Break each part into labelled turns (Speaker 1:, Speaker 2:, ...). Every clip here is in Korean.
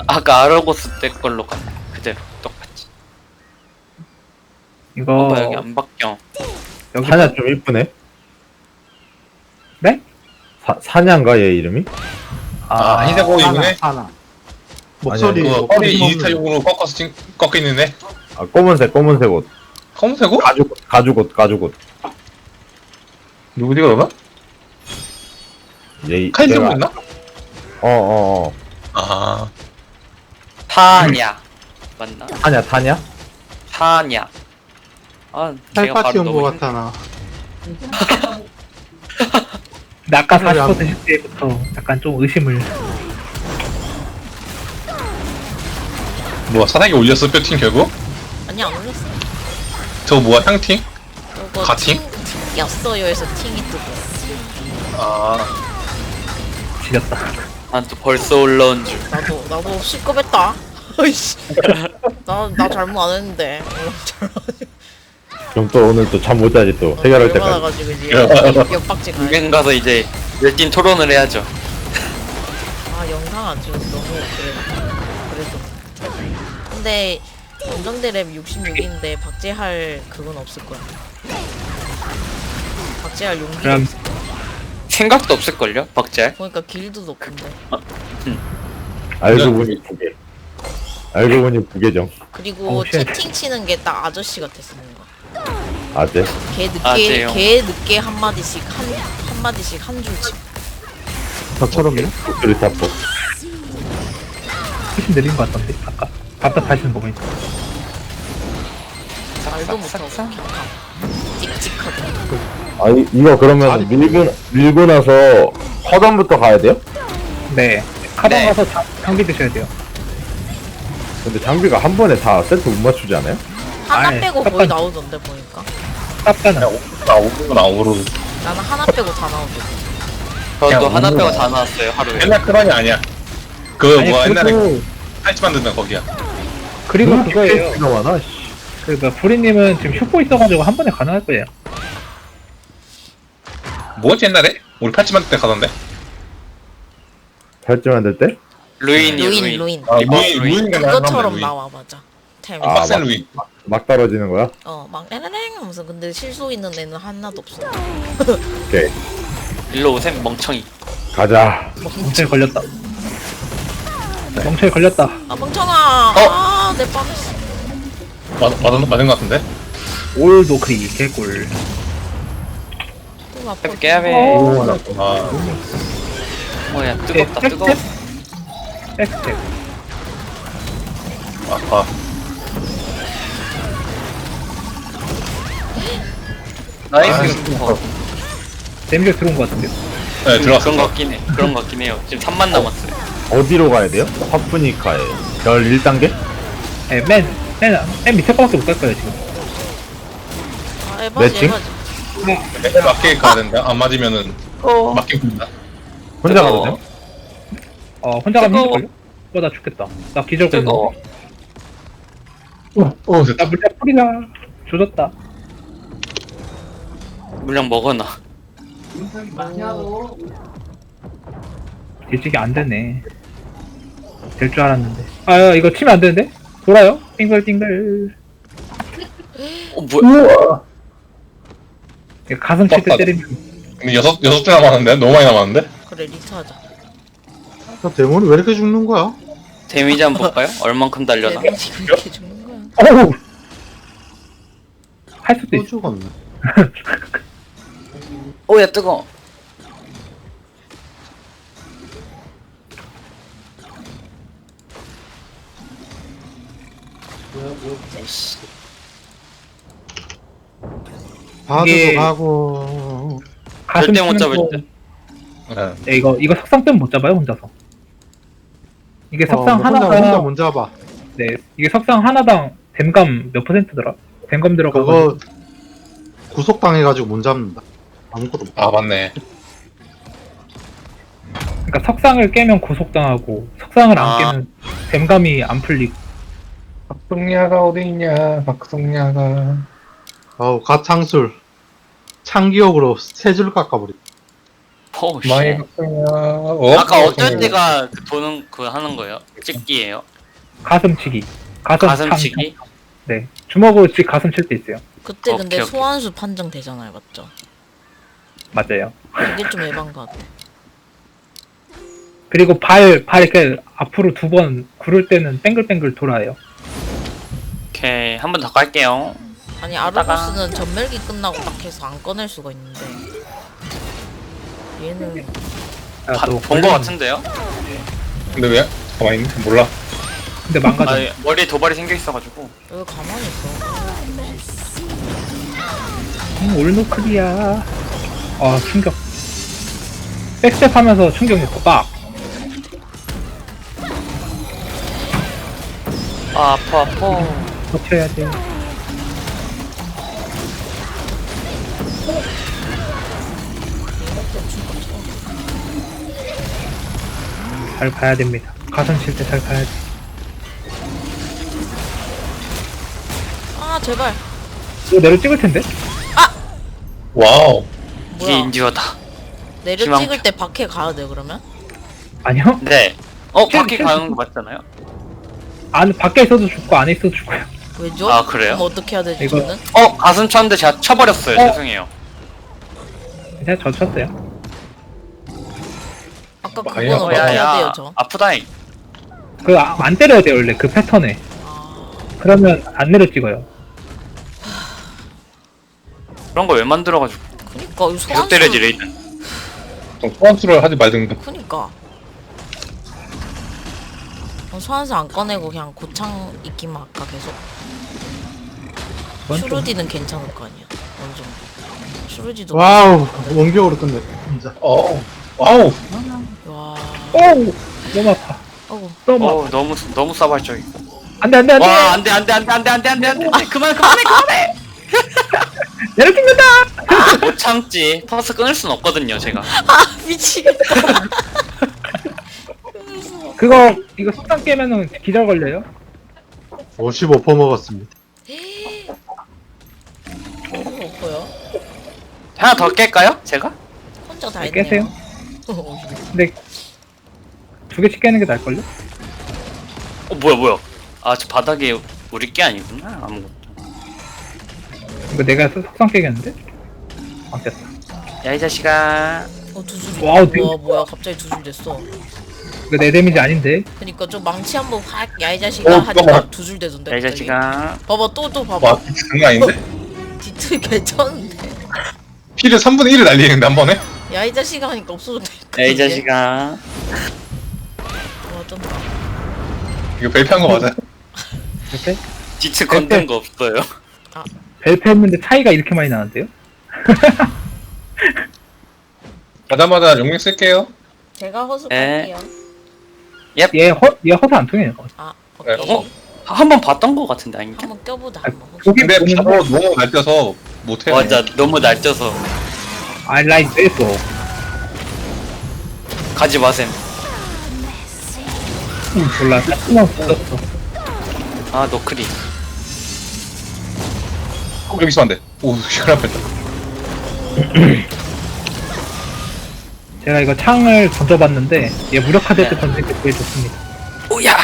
Speaker 1: 아까 아르고스 때 걸로 가. 그대로 똑같이.
Speaker 2: 이거
Speaker 1: 봐봐 여기 안 바뀌어.
Speaker 2: 여기
Speaker 3: 사냐 좀 이쁘네.
Speaker 2: 네?
Speaker 3: 사냐인가 얘 이름이?
Speaker 4: 아, 흰색 옷 입네?
Speaker 5: 하나. 목소리
Speaker 3: 아니,
Speaker 4: 그
Speaker 5: 목소리
Speaker 4: 허리
Speaker 5: 없는-
Speaker 4: 이지타용으로 꺾어서 꺾여 있는데?
Speaker 3: 아 검은색 옷.
Speaker 4: 검은색 옷?
Speaker 3: 가죽 옷.
Speaker 4: 누구지 그러나?
Speaker 3: 얘
Speaker 4: 카이즈
Speaker 3: 얘가-
Speaker 4: 있나?
Speaker 3: 어.
Speaker 4: 아,
Speaker 1: 타냐 맞나?
Speaker 3: 타냐?
Speaker 1: 타냐. 아 제가
Speaker 5: 팔파티
Speaker 1: 바로
Speaker 5: 온것
Speaker 1: 너무
Speaker 5: 같아 나.
Speaker 2: 근데 아까
Speaker 5: 그래,
Speaker 2: 40% 실 때부터 약간 좀 의심을.
Speaker 4: 뭐야 사상에 올렸어 뼈팅 결국?
Speaker 6: 아니 안 올렸어.
Speaker 4: 저거 뭐야 향팅?
Speaker 6: 이거
Speaker 4: 가팅?
Speaker 6: 팅이었어요 해서 팅이 뜨고.
Speaker 4: 아,
Speaker 2: 지렸다.
Speaker 1: 난 또 벌써 올라온 줄.
Speaker 6: 나도 C급했다. 아이씨. 나 잘못 안 했는데.
Speaker 3: 그럼 또 오늘 또 잠 못 자지 또 해결할 때까지.
Speaker 6: 가지고 이제 역박지 가야
Speaker 1: 유행 가서 이제 열띤 토론을 해야죠.
Speaker 6: 아 영상 안 찍어서 너무 그래도. 근데 원정대 랩 66인데 박제할 그건 없을 거야. 박제할 용기가
Speaker 2: 그럼
Speaker 6: 없을 거야.
Speaker 1: 생각도 없을걸요? 박잘?
Speaker 6: 보니까 길드도 없던데.
Speaker 3: 알고 보니 두 개. 알고 보니 부계정.
Speaker 6: 그리고
Speaker 2: 쉣.
Speaker 6: 채팅 치는 게 딱 아저씨 같았어 뭔가.
Speaker 3: 아재.
Speaker 1: 아재요.
Speaker 6: 개 늦게 한 마디씩 한 마디씩 한 줄 치.
Speaker 5: 저처럼요?
Speaker 3: 목소리 타포.
Speaker 2: 훨씬 느린 것 같던데 아까 답답하시는 거 보니까.
Speaker 6: 말도 못하고 그냥 찍찍하고.
Speaker 3: 이거 그러면 밀고 나서 화단부터 가야 돼요?
Speaker 2: 네. 카방
Speaker 1: 네.
Speaker 2: 가서 장비 드셔야 돼요.
Speaker 3: 근데 장비가 한 번에 다 세트 못 맞추지 않아요?
Speaker 6: 하나
Speaker 2: 아이,
Speaker 6: 빼고 거의 나오던데 보니까.
Speaker 2: 쌉가는.
Speaker 4: 나오고
Speaker 6: 나는 하나 빼고 다 나오던데.
Speaker 1: 저도
Speaker 4: 야,
Speaker 1: 하나
Speaker 4: 오늘-
Speaker 1: 빼고 다 나왔어요 하루에.
Speaker 4: 옛날 크런이 아니야. 그
Speaker 2: 아니
Speaker 4: 뭐야 옛날에
Speaker 2: 그리고
Speaker 4: 팔찌 만드는 거기야.
Speaker 2: 그리고 그거예요.
Speaker 3: 가 많아. 씨.
Speaker 2: 그러니까 브리님은 지금 슈퍼 있어가지고 한 번에 가능할 거예요.
Speaker 4: 뭐였지 옛날에? 우리 팔찌 만들 때 가던데?
Speaker 3: 팔찌 만들 때?
Speaker 1: 루인이요 루인.
Speaker 6: 루인.
Speaker 4: 아,
Speaker 1: 이번
Speaker 4: 루인가
Speaker 6: 그것처럼 나와 맞아. 템이.
Speaker 3: 아,
Speaker 4: 빡센
Speaker 3: 맞-
Speaker 4: 루인.
Speaker 3: 막 떨어지는 거야?
Speaker 6: 막 에레랭 하면서 근데 실수 있는 애는 하나도 없어.
Speaker 3: 오케이.
Speaker 1: 일로 오셈 멍청이.
Speaker 3: 가자.
Speaker 2: 멍청이 걸렸다. 멍청이 걸렸다.
Speaker 6: 아 멍청아. 아내 뻔했어.
Speaker 4: 맞은 거 같은데?
Speaker 2: 올 노크리 개꿀.
Speaker 6: 또 아파.
Speaker 1: 해볼게 해볼게.
Speaker 4: 아,
Speaker 1: 뭐야 뜨겁다 뜨거워.
Speaker 2: 백스텝.
Speaker 4: 아파.
Speaker 1: 나이스.
Speaker 2: 데미지 들어온 것 같은데요.
Speaker 4: 네, 들어왔어.
Speaker 1: 그런 거 같긴 해. 그런 거 같긴 해요. 지금 3만 남았어요.
Speaker 3: 어디로 가야 돼요? 파프니카에 별 1단계?
Speaker 2: 네, 맨 밑에 거밖에 못 갈 거예요 지금.
Speaker 6: 아 에바지
Speaker 3: 매칭?
Speaker 6: 에바지.
Speaker 4: 맞게 가야 된다. 안 맞으면은 맞게 군다.
Speaker 3: 혼자 가도 돼요?
Speaker 2: 혼자 가면
Speaker 1: 뜨거워.
Speaker 2: 힘들걸요? 나 죽겠다. 나 기절
Speaker 1: 뜨거워.
Speaker 2: 걸렸는데. 나
Speaker 4: 됐다.
Speaker 2: 물약 뿌리나 조졌다.
Speaker 1: 물량 먹어놔.
Speaker 2: 일찍이 안 되네. 될 줄 알았는데. 이거 치면 안 되는데? 돌아요? 띵글띵글.
Speaker 1: 뭐야?
Speaker 2: 이거 가슴 칠 때 때리면
Speaker 4: 근데 여섯 줄 남았는데? 너무 많이 남았는데?
Speaker 6: 그래 리트하자.
Speaker 5: 저 데몬이 왜 이렇게 죽는 거야?
Speaker 1: 데미지 한번 볼까요? 얼만큼 달려나?
Speaker 6: 데미지 왜 이렇게 죽는 거야?
Speaker 2: 어우! 할 수도
Speaker 5: 또
Speaker 2: 있어.
Speaker 5: 죽었네.
Speaker 1: 오야 뜨거.
Speaker 5: 바드도
Speaker 2: 이게-
Speaker 5: 가고.
Speaker 2: 가슴
Speaker 1: 절대 못
Speaker 2: 치는
Speaker 1: 잡을
Speaker 2: 거-
Speaker 1: 듯.
Speaker 4: 네.
Speaker 2: 네, 이거 석상 때문에 못 잡아요 혼자서. 이게 석상
Speaker 5: 혼자
Speaker 2: 하나가
Speaker 5: 못 잡아.
Speaker 2: 네 이게 석상 하나당 댐감 몇 %더라? 댐감 들어가고
Speaker 5: 그거 구속당해가지고 못 잡는다. 아무것도 못.
Speaker 4: 아, 맞네.
Speaker 2: 그러니까 석상을 깨면 구속당하고 석상을 안
Speaker 1: 아.
Speaker 2: 깨면 댐감이 안 풀리고.
Speaker 4: 박성야가 어디 있냐? 박성야가.
Speaker 5: 아우 갓창술. 창기옥으로 세 줄 깎아버리.
Speaker 1: 포우씨.
Speaker 4: 마이 박성야. 어?
Speaker 1: 아까 어쩔
Speaker 4: 박성야.
Speaker 1: 때가 그 도는 그 하는 거예요? 찍기예요?
Speaker 2: 가슴치기.
Speaker 1: 가슴치기?
Speaker 2: 네. 주먹으로 가슴 칠 때 있어요.
Speaker 6: 그때
Speaker 1: 오케이,
Speaker 6: 근데
Speaker 1: 오케이.
Speaker 6: 소환수 판정 되잖아요, 맞죠?
Speaker 2: 맞아요.
Speaker 6: 그게 좀 에반 것 같아.
Speaker 2: 그리고 발 이렇게 앞으로 2번 구를 때는 뱅글뱅글 돌아요.
Speaker 1: 오케이 한 번 더 갈게요.
Speaker 6: 아니 아르고스는 전멸기 끝나고 딱 해서 안 꺼낼 수가 있는데 얘는
Speaker 1: 본 거 같은데요?
Speaker 4: 근데 왜? 가만히 있네? 몰라.
Speaker 2: 근데 망가져.
Speaker 1: 아 머리에 도발이 생겨 있어가지고.
Speaker 6: 여기 가만히 있어.
Speaker 2: 올노클이야. 아 충격. 백스텝 하면서 충격 넣고 빡.
Speaker 1: 아 아파.
Speaker 2: 버텨야 돼. 잘 봐야 됩니다. 가슴 칠 때 잘 봐야지.
Speaker 6: 아 제발.
Speaker 2: 이거 내려 찍을 텐데?
Speaker 4: 와우.
Speaker 1: 이게
Speaker 6: 뭐야?
Speaker 1: 인디어다.
Speaker 6: 내려
Speaker 1: 희망-
Speaker 6: 찍을 때 밖에 가야 돼 그러면?
Speaker 2: 아니요?
Speaker 1: 네. 밖에 가는 거 맞잖아요?
Speaker 2: 밖에 있어도 죽고 안에 있어도 죽고요.
Speaker 6: 왜죠?
Speaker 1: 아, 그래요?
Speaker 6: 그럼 어떻게 해야 되지
Speaker 2: 이거-
Speaker 6: 저는?
Speaker 1: 가슴 쳤는데 제가 쳐버렸어요. 죄송해요.
Speaker 2: 그냥 저 쳤어요.
Speaker 6: 아까
Speaker 4: 아예
Speaker 6: 그건 어떻게 해야 돼요
Speaker 1: 야야
Speaker 6: 저?
Speaker 1: 아프다잉.
Speaker 2: 안 때려야 돼 원래 그 패턴에.
Speaker 6: 아,
Speaker 2: 그러면 안 내려 찍어요.
Speaker 1: 그런 거 왜 만들어가지고
Speaker 6: 그니까 이
Speaker 1: 계속
Speaker 6: 소환수.
Speaker 1: 때려지 레이든.
Speaker 4: 좀 소환수를 하지 말든가.
Speaker 6: 그니까. 소환수 안 꺼내고 그냥 고창 있기만 할까 계속.
Speaker 2: 그건 좀-
Speaker 6: 슈루디는 괜찮을 거 아니야 어느 정도. 슈루디도.
Speaker 5: 와우, 원격으로 끝내. 진짜.
Speaker 4: 와우.
Speaker 6: 와.
Speaker 2: 오우 너무 아파.
Speaker 6: 어우.
Speaker 2: 너무 아파.
Speaker 1: 너무 싸발적이고.
Speaker 2: 안돼 안돼 안돼.
Speaker 1: 와 안돼 그만해.
Speaker 2: 내려 찍는다.
Speaker 1: 못 참지. 퍼스 끊을 순 없거든요 제가.
Speaker 6: 아 미치겠다.
Speaker 2: 이거 속상 깨면은 기절 걸려요.
Speaker 5: 55% 먹었습니다.
Speaker 6: 너무 없어요.
Speaker 1: 하나 더 깰까요? 제가?
Speaker 6: 혼자 다
Speaker 2: 네,
Speaker 6: 했네요.
Speaker 2: 깨세요. 근데 2개씩 깨는 게 나을걸요?
Speaker 1: 뭐야? 아 저 바닥에 우리 게 아니구나 아무것도.
Speaker 2: 이거 내가 속상 깨겠는데? 안 깼어.
Speaker 1: 야 이 자식아.
Speaker 6: 두 줄.
Speaker 2: 와우, 되게
Speaker 6: 뭐야 갑자기 두 줄 됐어.
Speaker 2: 이거 내 데미지 아닌데?
Speaker 6: 그니까 좀 망치 한번 확 야 이 자식아 하니까
Speaker 4: 잠깐만.
Speaker 6: 두 줄 되던데.
Speaker 1: 야 이
Speaker 6: 갑자기.
Speaker 1: 자식아.
Speaker 6: 봐봐 또 봐봐.
Speaker 4: 와, 장난 아닌데?
Speaker 6: 디트 괜찮은데.
Speaker 4: 피를 3분의 1을 날리는데 한 번에?
Speaker 6: 야 이 자식아 하니까 없어졌다.
Speaker 1: 야 이 자식아.
Speaker 6: 와 쩐다.
Speaker 4: 이거 벨피한 거 맞아요?
Speaker 2: 이렇게?
Speaker 1: 디트 건든 거 없어요.
Speaker 2: 벨트 했는데 차이가 이렇게 많이 나는데요?
Speaker 4: 가자마자 용력 쓸게요.
Speaker 6: 제가
Speaker 1: 에.
Speaker 6: 허수할게요.
Speaker 2: 얘 허사 안 통해요.
Speaker 6: 아 오케이.
Speaker 4: 어?
Speaker 1: 한 번 봤던 거 같은데 아닌가?
Speaker 6: 한번 껴보자.
Speaker 2: 아,
Speaker 6: 한번.
Speaker 2: 고기
Speaker 4: 근데
Speaker 2: 보는
Speaker 4: 바로 너무 날뛰어서 못해요.
Speaker 1: 맞아 너무 날쪄서
Speaker 2: I like this.
Speaker 1: 가지 마셈.
Speaker 2: 몰라. 따끔한 붙었어.
Speaker 1: 아 노크리.
Speaker 4: 여기 있으면 안 돼. 오, 시간 앞했다.
Speaker 2: 제가 이거 창을 던져봤는데 얘 무력화될 때
Speaker 1: 네.
Speaker 2: 던질 때 제일 좋습니다.
Speaker 1: 오야.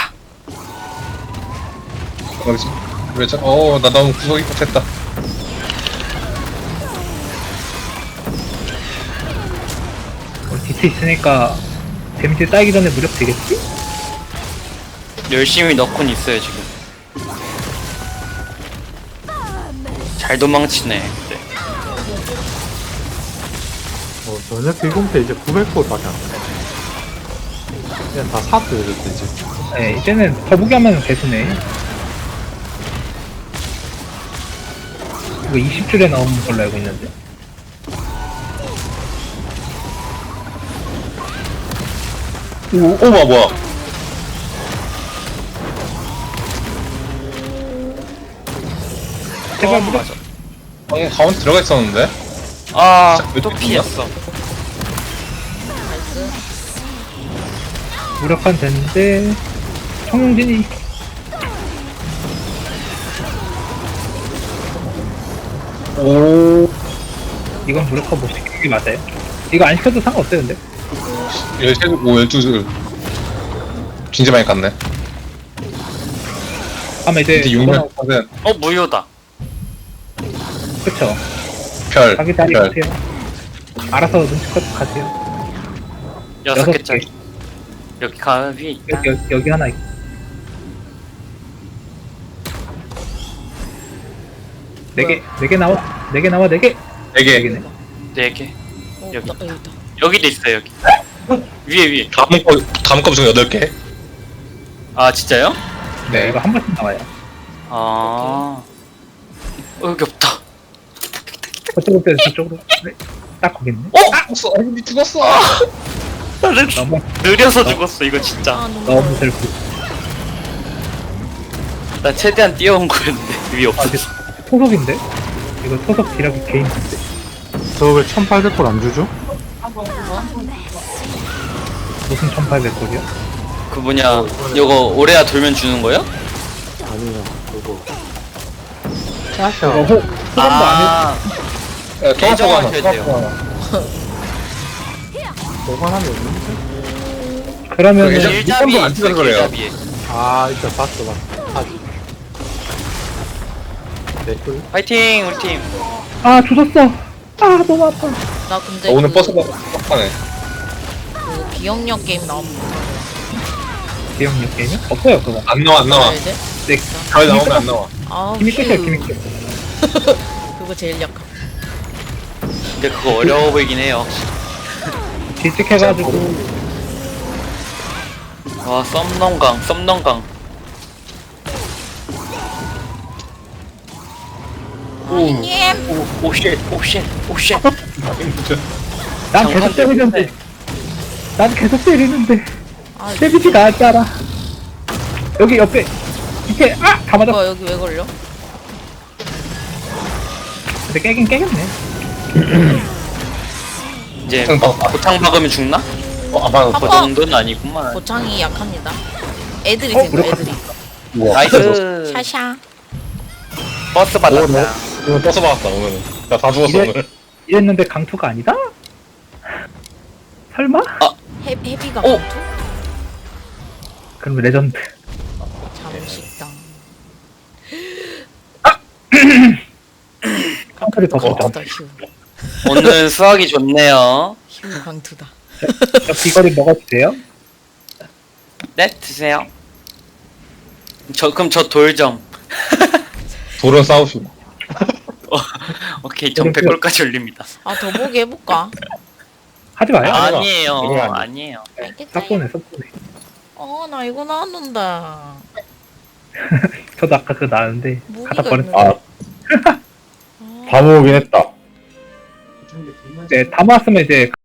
Speaker 4: 여기 있어. 왜 저, 나 너무 구석이 꽂혔다.
Speaker 2: 디트 있으니까 데미지 쌓이기 전에 무력 되겠지?
Speaker 1: 열심히 넣곤 있어요 지금. 잘 도망치네. 네.
Speaker 5: 전혀 비공태 이제 900%밖에 안 돼. 그냥 다 사드 이제.
Speaker 2: 네, 이제는 거북이 하면 개수네. 이거 20줄에 나오는 걸로 알고 있는데.
Speaker 4: 뭐야.
Speaker 2: 제발 무력.
Speaker 4: 가운데 들어가 있었는데?
Speaker 1: 아또 피했어.
Speaker 2: 무력화는 됐는데 청룡진이
Speaker 4: 오.
Speaker 2: 이건 무력화 못 시키는 게 맞아요. 이거 안 시켜도 상관없어요 근데
Speaker 4: 13, 12줄. 진짜 많이 갔네.
Speaker 2: 아마 이제
Speaker 4: 근데
Speaker 2: 이거
Speaker 4: 6년
Speaker 1: 무효다.
Speaker 2: 그쵸
Speaker 4: 별.
Speaker 2: 자기 자리
Speaker 4: 별.
Speaker 2: 가세요 알아서 눈치껏 가세요
Speaker 1: 6개짜리. 여기 가 위에 있다.
Speaker 2: 여기 하나 있고 네 개 나와 4개
Speaker 4: 4개.
Speaker 2: 4개네
Speaker 1: 4개.
Speaker 6: 어,
Speaker 1: 여기.
Speaker 6: 여기 있다.
Speaker 1: 여기도 있어요, 여기. 위에.
Speaker 4: 다음 거 중에 8개.
Speaker 1: 아, 진짜요?
Speaker 2: 네 이거 한 번씩 나와요
Speaker 1: 아. 여기 없다.
Speaker 2: 저쪽으로 빼서 저쪽으로 네, 딱 거기 있네
Speaker 4: 죽었어. 아니, 죽었어.
Speaker 2: 너무
Speaker 1: 느려서 죽었어, 이거 진짜.
Speaker 6: 아 너무
Speaker 2: 너무 슬프
Speaker 1: 나 최대한 뛰어온 거였는데, 위에
Speaker 2: 아
Speaker 1: 없어.
Speaker 2: 이게 토속인데? 이거 토속 기력이 개인인데
Speaker 5: 저 왜 1800골 안 주죠?
Speaker 2: 무슨 1800골이야?
Speaker 1: 그 뭐냐, 이거 오레아 돌면 주는 거요?
Speaker 5: 아니요 그거
Speaker 2: 이거
Speaker 5: 짜셔
Speaker 2: 호감도 안
Speaker 1: 아,
Speaker 4: 토마토가 하나.
Speaker 1: 계정하셔야 돼요.
Speaker 4: 토마토가 하나.
Speaker 5: 보관함이 없는데?
Speaker 2: 해 그러면은
Speaker 4: 예전-
Speaker 1: 길잡이에
Speaker 4: 안
Speaker 1: 있어,
Speaker 4: 찍어서 그래요.
Speaker 1: 길잡이에.
Speaker 5: 아 이따 봤어 댓글?
Speaker 1: 파이팅, 우리 팀.
Speaker 2: 아 주웠어 아 너무 아파
Speaker 6: 나 근데
Speaker 4: 오늘
Speaker 6: 그,
Speaker 4: 버스가 빡빡하네.
Speaker 6: 그 기억력 게임 나오면
Speaker 2: 기억력 게임이? 없어요 그거
Speaker 4: 안 나와.
Speaker 6: 뭐야 돼?
Speaker 2: 네
Speaker 4: 별 나오면 안 나와.
Speaker 6: 아
Speaker 2: 김이 끝이야 김이 끝
Speaker 6: 그거 제일 약함.
Speaker 1: 근데 그거 어려워 보이긴 해요.
Speaker 2: 질직해가지고
Speaker 1: 와, 썸넘강.
Speaker 6: 아니님.
Speaker 1: 오쉣.
Speaker 2: 난 계속 때리는데 난 계속 때리는데
Speaker 6: 아
Speaker 2: 데미지 나왔잖아 여기 옆에 밑에 다 맞았어
Speaker 6: 이거 여기 왜 걸려?
Speaker 2: 근데 깨긴 깨겠네
Speaker 1: 이제
Speaker 4: 형,
Speaker 1: 고창 박으면 죽나?
Speaker 4: 안 받아.
Speaker 1: 그
Speaker 6: 아파.
Speaker 1: 정도는 아니구만.
Speaker 6: 고창이 약합니다. 애들이
Speaker 2: 어,
Speaker 6: 생겨
Speaker 2: 무력화.
Speaker 6: 애들이.
Speaker 4: 우와.
Speaker 1: 나이스.
Speaker 6: 샤샤.
Speaker 1: 버스 받았다.
Speaker 4: 오늘 버스 받았다, 오늘은. 나 다 죽었어,
Speaker 2: 이래-
Speaker 4: 오늘.
Speaker 2: 이랬는데 강투가 아니다? 설마?
Speaker 6: 헤비가
Speaker 1: 오!
Speaker 6: 강투?
Speaker 2: 그럼 레전드
Speaker 6: 잠식당.
Speaker 2: 강투를 더 보자
Speaker 6: 강투다 휴.
Speaker 1: 오늘 수학이 좋네요.
Speaker 6: 휴 강투다.
Speaker 2: 저 귀걸이 먹어주세요
Speaker 1: 네, 드세요. 그럼 저 돌점.
Speaker 4: 돌은 싸우시고.
Speaker 1: 오케이, 전 100골까지 올립니다.
Speaker 6: 아 더 보기 해볼까?
Speaker 2: 하지 마요
Speaker 4: 아,
Speaker 1: 아니에요.
Speaker 4: 이거 아니에요.
Speaker 1: 아니에요.
Speaker 6: 알겠지?
Speaker 2: sap보네
Speaker 6: 나 이거 나왔는데.
Speaker 2: 저도 아까 그거 나왔는데
Speaker 6: 무기가
Speaker 2: 갖다 버렸어
Speaker 6: 있는데.
Speaker 3: 다 모으긴 했다.
Speaker 2: 네, 다 모았으면 이제